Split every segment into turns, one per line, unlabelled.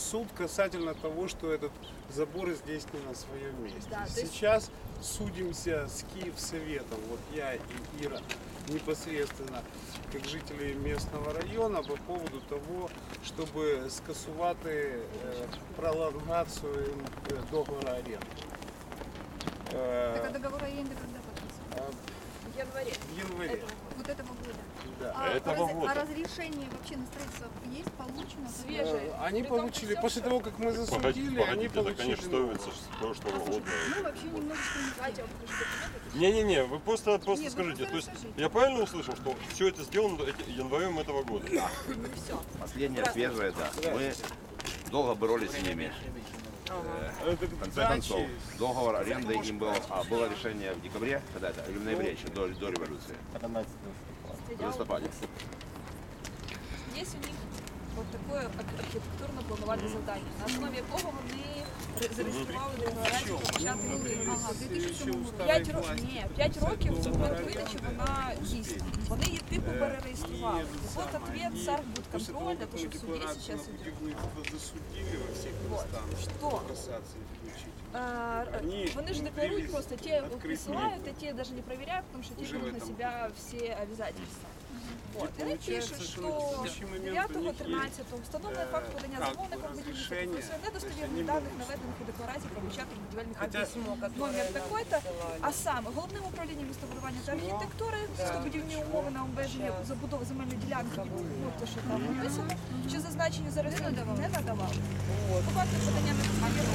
суд касательно того, что этот забор здесь не на своем месте.
Да,
Сейчас судимся с Киевсоветом, вот я и Ира, непосредственно как жители местного района по поводу того, чтобы скасувати пролонгацию договора аренды.
Так а договор аренды когда подписан?
В январе.
В январе.
Вот этого года.
Да.
А разрешение вообще на строительство есть, получено?
Свежее.
Они
При том,
получили,
всё,
после
что-
того, как мы засудили, они
это,
получили.
конечно, ставится с прошлого года.
Ну, вообще немножечко не
Давайте я вам покажу документы.
Не-не-не, вы просто
Нет, вы
скажите.
просто
То есть
расскажите.
я правильно услышал, что все это сделано январем этого года?
Ну все.
Последнее свежее, да. Мы долго боролись с ними. В конце концов, договор аренды им был, было решение в декабре, когда это, или в ноябре, еще до революции. В листопаде.
Есть у них от такое архітектурно-планувальне завдання, на основі якого вони зареєстрували декларацію про початок будівництва.
Ага, в 2007 році.
5 років з моменту видачі вона дійсна. Вони її типу перереєстрували. І от ответ Сархбудконтроль, для того, щоб в суді зараз іде.
Засудили во всех
Вот.
инстанциях.
Что?
Кассации включить.
Вони ж декларують просто, те присылают, а те даже не проверяют, потому что те
Уже
берут
в
на
этом
себя все обязательства. Вот. И они
получается,
пишут,
что
что
на текущий момент у них
9-13 встановлений факт подання
как
замовником
бы
будівництва
разрешение,
про недостовірних даних, наведених у декларації про початок будівельних
Хотя-
робіт. Номер такой-то, а саме Головним управлінням містобудування та архітектури, містобудівні умови на обмеження забудови земельної ділянки, ну те, що там написано, що зазначені зараз не надавали. По факту подання на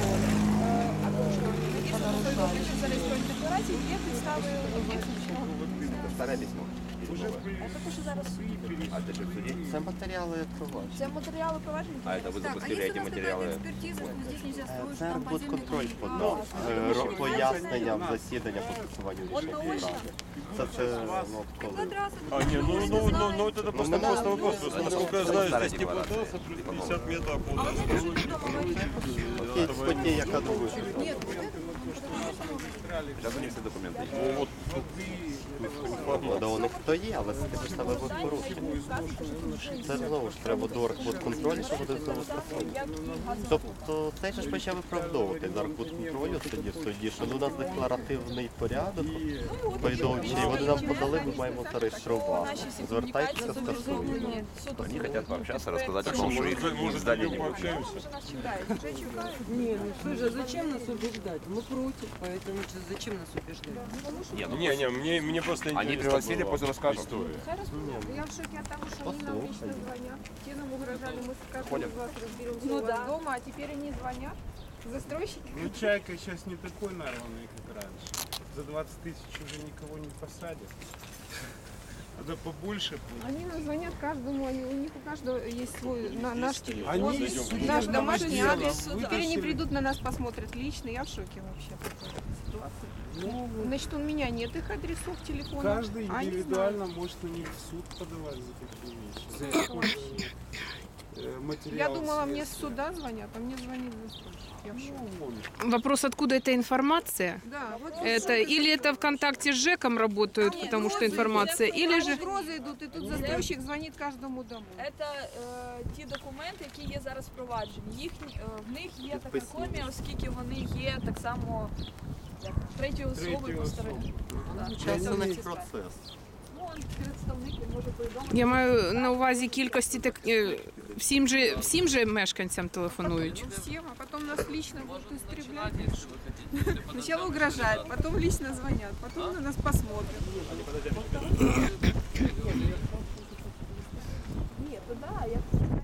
що зареєстровані декларації є підстави об'єктивного.
Это старое письмо.
А також зараз
А ты что, в суде?
Це матеріали провадження.
це матеріали провадження.
А это вы
Так,
запустили
а
эти
если у вас
материалы?
какая-то экспертиза, что здесь нельзя строить, что
Це
там
архбудконтроль
подземный
подав пояснення в засідання по скасуванню рішення.
наочно?
Так. Це ну, коли.
квадратный.
А, не, ну это просто
мы
просто
на-
вопрос. Просто, насколько я знаю,
Старая
здесь
декларация.
теплотрасса плюс 50 метров
А
от
вони дуже відомо говорять.
Окей, статті, яка друга.
Нет, вот это
Сейчас у них все документы есть.
Ну, вот
Да, у них то є, але це ж саме ви порушення. Це знову ж треба до архбудконтролю, щоб буде знову скасовувати. Тобто цей же ж почав виправдовувати з архбудконтролю тоді в суді, що у нас декларативний порядок повідомчий, вони нам подали, ми маємо зареєструвати. Звертайтеся, скасуємо.
Они хотят пообщаться, рассказать о
что,
том, что
может,
их
может,
здание не будет.
пообщаемся?
Вже нас чекають. Вже чекають.
Не, ну слушай, а зачем нас убеждать? Мы против, поэтому зачем нас убеждать?
Не, ну,
мне просто интересно.
Они пригласили
было
после рассказа.
историю.
Я в шоке от того, что они нам лично звонят. Те нам угрожали, мы с каждым
Ходят.
из вас разберемся
Ну
у вас
да.
дома, а теперь они звонят. Застройщики.
Ну, Чайка сейчас не такой нарванный, как раньше. За 20 тысяч уже никого не посадят. Надо побольше будет.
Они нам звонят каждому, у них у каждого есть свой наш телефон,
Они из судебного
наш домашний
дела
адрес. Теперь они
вытащили.
придут на нас, посмотрят лично. Я в шоке вообще от этой ситуации.
Ну,
Значит, у меня нет их адресов телефона.
каждый
а они
индивидуально может на них в суд подавать за такие вещи. За использование
Я
материалов
думала, мне с
следствия.
суда звонят, а мне звонит застройщик. Я в шоке.
Ну, вон.
Вопрос, откуда эта информация?
Да, вот
Это или это ВКонтакте с ЖЭКом работают, потому что информация, или же...
угрозы идут, и тут застройщик звонит каждому дому.
Це ті документи, які є зараз впроваджені. В них є така копія, оскільки вони є так само третьою особою по стороні. Да.
Учасник процес.
Ну, он представник, він може повідомити.
Я маю на увазі кількості всім же мешканцям телефонують.
Всем, а потом нас лично будут истреблять. Сначала угрожают, потом лично звонят, потом на нас посмотрят.
Ні, то да, я